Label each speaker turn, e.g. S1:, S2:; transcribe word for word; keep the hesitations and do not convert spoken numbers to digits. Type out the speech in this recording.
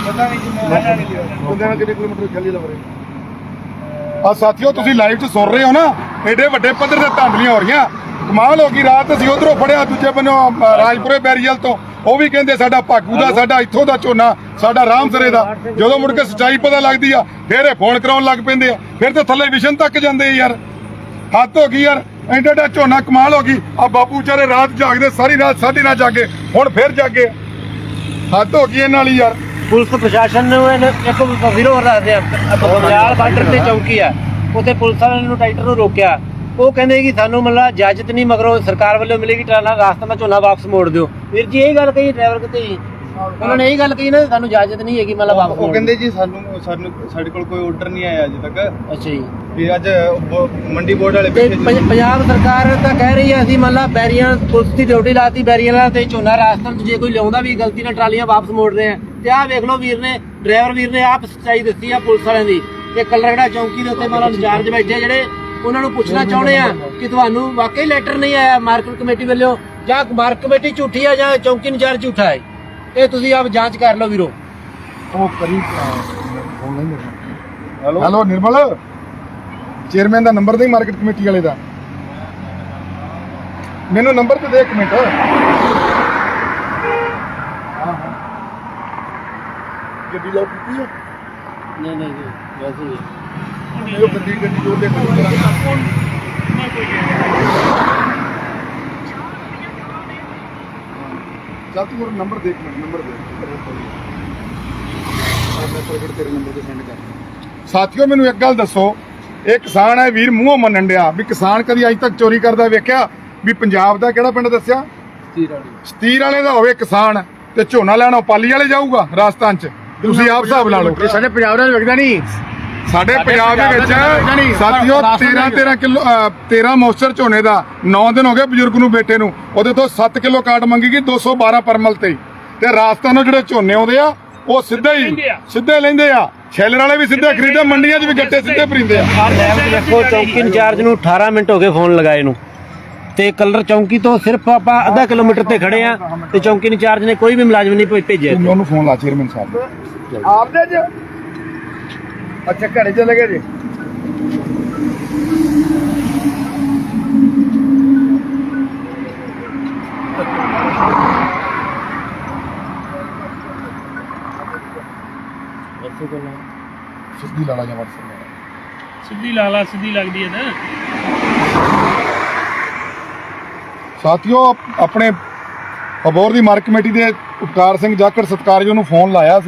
S1: कितने किलोमीटर खली लग रहे ਆ ਸਾਥੀਓ ਤੁਸੀਂ ਲਾਈਵ 'ਚ ਸੁਣ ਰਹੇ ਹੋ ਨਾ ਐਡੇ ਵੱਡੇ ਪੱਧਰ ਤੇ ਧਾਂਦਲੀਆਂ ਹੋ ਰਹੀਆਂ ਕਮਾਲ ਹੋ ਗਈ ਰਾਤ ਅਸੀਂ ਉਧਰੋਂ ਫੜਿਆ ਦੂਜੇ ਬੰਨੋਂ ਰਾਜਪੁਰੇ ਬੈਰੀਅਲ ਤੋਂ ਉਹ ਵੀ ਕਹਿੰਦੇ ਸਾਡਾ ਭਾਗੂ ਦਾ ਸਾਡਾ ਇੱਥੋਂ ਦਾ ਝੋਨਾ ਸਾਡਾ ਰਾਮਸਰੇ ਦਾ ਜਦੋਂ ਮੁੜ ਕੇ ਸੱਚਾਈ ਪਤਾ ਲੱਗਦੀ ਆ ਫਿਰ ਇਹ ਫੋਨ ਕਰਾਉਣ ਲੱਗ ਪੈਂਦੇ ਆ ਫਿਰ ਤੇ ਥੱਲੇ ਵਿਸ਼ਨ ਤੱਕ ਜਾਂਦੇ ਯਾਰ ਹੱਦ ਹੋ ਗਈ ਯਾਰ ਐਡਾ ਐਡਾ ਝੋਨਾ ਕਮਾਲ ਹੋ ਗਈ ਆ ਬਾਪੂ ਵਿਚਾਰੇ ਰਾਤ ਜਾਗਦੇ ਸਾਰੀ ਰਾਤ ਸਾਡੀ ਰਾਤ ਜਾਗੇ ਹੁਣ ਫਿਰ ਜਾਗੇ ਹੱਦ ਹੋ ਗਈ ਇਹਨਾਂ ਵਾਲੀ ਯਾਰ
S2: ਪੁਲਿਸ ਪ੍ਰਸ਼ਾਸਨ ਨੂੰ ਇੱਕ ਵਿਰੋਧ ਰੱਖਦੇ ਆ ਬਗਿਆਲ ਬਾਰਡਰ ਤੇ ਚੌਂਕੀ ਆ ਉੱਥੇ ਪੁਲਿਸ ਵਾਲਿਆਂ ਨੂੰ ਟਰੈਕਟਰ ਨੂੰ ਰੋਕਿਆ ਉਹ ਕਹਿੰਦੇ ਕਿ ਸਾਨੂੰ ਮਤਲਬ ਇਜਾਜ਼ਤ ਨਹੀਂ ਮਗਰੋਂ ਸਰਕਾਰ ਵੱਲੋਂ ਮਿਲੇਗੀ ਟਰਾਲਾ ਰਾਸਤਾ ਦਾ ਝੋਨਾ ਵਾਪਸ ਮੋੜ ਦਿਓ ਵੀਰ ਜੀ ਇਹ ਗੱਲ ਕਹੀ ਡਰਾਈਵਰ ਕਿਤੇ ਜੀ ਉਹਨਾਂ ਨੇ ਇਹ ਗੱਲ ਕਹੀ ਨਾ ਸਾਨੂੰ ਇਜਾਜ਼ਤ ਨਹੀਂ ਹੈਗੀ ਮਤਲਬ ਵਾਪਸ
S3: ਉਹ ਕਹਿੰਦੇ ਜੀ ਸਾਨੂੰ ਸਾਨੂੰ ਸਾਡੇ ਕੋਲ ਕੋਈ ਆਰਡਰ ਨਹੀਂ ਆਇਆ ਅਜੇ ਤੱਕ
S2: ਅੱਛਾ ਜੀ
S3: ਵੀ ਅੱਜ ਮੰਡੀ ਬੋਰਡ ਵਾਲੇ
S2: ਤੇ ਪੰਜਾਬ ਸਰਕਾਰ ਤਾਂ ਕਹਿ ਰਹੀ ਹੈ ਅਸੀਂ ਮਤਲਬ ਬੈਰੀਆਂ ਪੁਲਿਸ ਦੀ ਡਿਊਟੀ ਲਾਤੀ ਬੈਰੀਆਂ ਤੇ ਝੋਨਾ ਰਾਸਤਾ ਜੇ ਕੋਈ ਲਿਆਉਂਦਾ ਵੀ ਗਲਤੀ ਨਾਲ ਟਰਾਲੀਆਂ ਵਾਪਸ ਮੋੜ ਰਹੇ ਆ ਤੇ ਆਹ ਵੇਖ ਲਓ ਵੀਰ ਨੇ ਡਰਾਈਵਰ ਵੀਰ ਨੇ ਆਪ ਸੱਚਾਈ ਦੱਸੀ ਆ ਪੁਲਿਸ ਵਾਲਿਆਂ ਦੀ ਤੇ ਕਲਰਗੜਾ ਚੌਂਕੀ ਦੇ ਉੱਤੇ ਮਤਲਬ ਇੰਚਾਰਜ ਬੈਠੇ ਜਿਹੜੇ ਉਹਨਾਂ ਨੂੰ ਪੁੱਛਣਾ ਚਾਹੁੰਦੇ ਆ ਕਿ ਤੁਹਾਨੂੰ ਵਾਕਈ ਲੈਟਰ ਨਹੀਂ ਆਇਆ ਮਾਰਕੀਟ ਕਮੇਟੀ ਵੱਲੋਂ ਜਾਂ ਮਾਰਕੀਟ ਕਮੇਟੀ ਝੂਠੀ ਆ ਜਾਂ ਚੌਂਕੀ ਇੰਚਾਰਜ ਝੂਠਾ ਹੈ ਇਹ ਤੁਸੀਂ ਆਪ ਜਾਂਚ ਕਰ ਲਓ ਵੀਰੋ
S1: ਉਹ ਕਰੀ ਹੈਲੋ ਹੈਲੋ ਨਿਰਮਲ ਚੇਅਰਮੈਨ ਦਾ ਨੰਬਰ ਦੇ ਮਾਰਕੀਟ ਕਮੇਟੀ ਵਾਲੇ ਦਾ ਮੈਨੂੰ ਨੰਬਰ ਤੇ ਦੇ ਇੱਕ ਮਿੰਟ ਗੱਡੀ ਲਾਉ ਕੀਤੀ ਹੈ
S2: ਨਹੀਂ ਨਹੀਂ ਵੈਸੇ ਹੀ
S1: ਉਹ ਗੱਡੀ ਗੱਡੀ ਜੋ ਦੇ ਚੱਲ ਤੂੰ ਮੇਰਾ ਨੰਬਰ ਦੇਖ ਮਿੰਟ ਨੰਬਰ ਦੇ ਮੈਂ ਪ੍ਰਗਟ ਤੇਰੇ ਨੰਬਰ ਤੇ ਸੈਂਡ ਕਰ ਸਾਥੀਓ ਮੈਨੂੰ ਇੱਕ ਗੱਲ ਦੱਸੋ ਇਹ ਕਿਸਾਨ ਹੈ ਵੀਰ ਮੂੰਹੋਂ ਮੰਨਣ ਡਿਆ ਵੀ ਕਿਸਾਨ ਕਦੀ ਅੱਜ ਤੱਕ ਚੋਰੀ ਕਰਦਾ ਵੇਖਿਆ ਵੀ ਪੰਜਾਬ ਦਾ ਕਿਹੜਾ ਪਿੰਡ ਦੱਸਿਆ
S3: ਸਤੀਰ ਵਾਲੀ
S1: ਸਤੀਰ ਵਾਲੇ ਦਾ ਹੋਵੇ ਕਿਸਾਨ ਤੇ ਝੋਨਾ ਲੈਣਾ ਪਾਲੀ ਵਾਲੇ ਜਾਊਗਾ ਰਾਜਸਥਾਨ ਚ ਤੁਸੀਂ ਆਪ ਹਿਸਾਬ ਲਾ ਲਓ
S3: ਸਾਡੇ ਪੰਜਾਬ ਨਾਲ ਵਿਕਦਾ ਨਹੀਂ
S1: ਸਾਡੇ ਪੰਜਾਬ ਦੇ ਵਿੱਚ ਸਾਥੀਓ ਤੇਰਾਂ ਤੇਰਾਂ ਕਿਲੋ ਤੇਰਾਂ ਮੋਸਚਰ ਝੋਨੇ ਦਾ ਨੌ ਦਿਨ ਹੋ ਗਏ ਬਜ਼ੁਰਗ ਨੂੰ ਬੇਟੇ ਨੂੰ ਉਹਦੇ ਤੋਂ ਸੱਤ ਕਿਲੋ ਕਾਟ ਮੰਗੀ ਗਈ ਦੋ ਸੌ ਬਾਰਾਂ ਪਰਮਲ ਤੇ ਤੇ ਰਾਜਸਥਾਨ ਨੂੰ ਜਿਹੜੇ ਝੋਨੇ ਆਉਂਦੇ ਆ ਉਹ ਸਿੱਧੇ ਹੀ ਸਿੱਧੇ ਲੈਂਦੇ ਆ ਛੈਲਰ ਵਾਲੇ ਵੀ ਸਿੱਧੇ ਖਰੀਦੇ ਮੰਡੀਆਂ 'ਚ ਵੀ ਗੱਟੇ ਸਿੱਧੇ ਭਰੀਂਦੇ ਆ
S2: ਦੇਖੋ ਚੌਂਕੀ ਇੰਚਾਰਜ ਨੂੰ ਅਠਾਰਾਂ ਮਿੰਟ ਹੋ ਗਏ ਫੋਨ ਲਗਾਏ ਨੂੰ ਤੇ ਕਲਰ ਚੌਂਕੀ ਤੋਂ ਸਿਰਫ ਆਪਾਂ ਅੱਧਾ ਕਿਲੋਮੀਟਰ ਤੇ ਖੜੇ ਆ ਤੇ ਚੌਂਕੀ ਇੰਚਾਰਜ ਨੇ ਕੋਈ ਵੀ ਮੁਲਾਜ਼ਮ ਨਹੀਂ ਭੇਜਿਆ
S1: ਤੁਸੀਂ ਉਹਨੂੰ ਫੋਨ ਲਾ ਚੇਅਰਮੈਨ ਸਾਹਿਬ ਆਪਦੇ ਚ ਅੱਛਾ ਘਰੇ ਚਲੇ ਗਏ ਜੀ ਸਿੱਧੀ ਲਾਲਾ ਜਾਂ ਵਟਸਐਪ
S4: ਸਿੱਧੀ ਲਾਲਾ ਸਿੱਧੀ ਲੱਗਦੀ ਹੈ ਨਾ
S1: ਸਾਥੀਓ ਆਪਣੇ ਅਬੋਹਰ ਦੀ ਮਾਰਕ ਕਮੇਟੀ ਦੇ ਉਪਕਾਰ ਸਿੰਘ ਜਾਖੜ ਸਤਿਕਾਰਯੋਗ ਨੂੰ ਫੋਨ ਲਾਇਆ ਸੀ।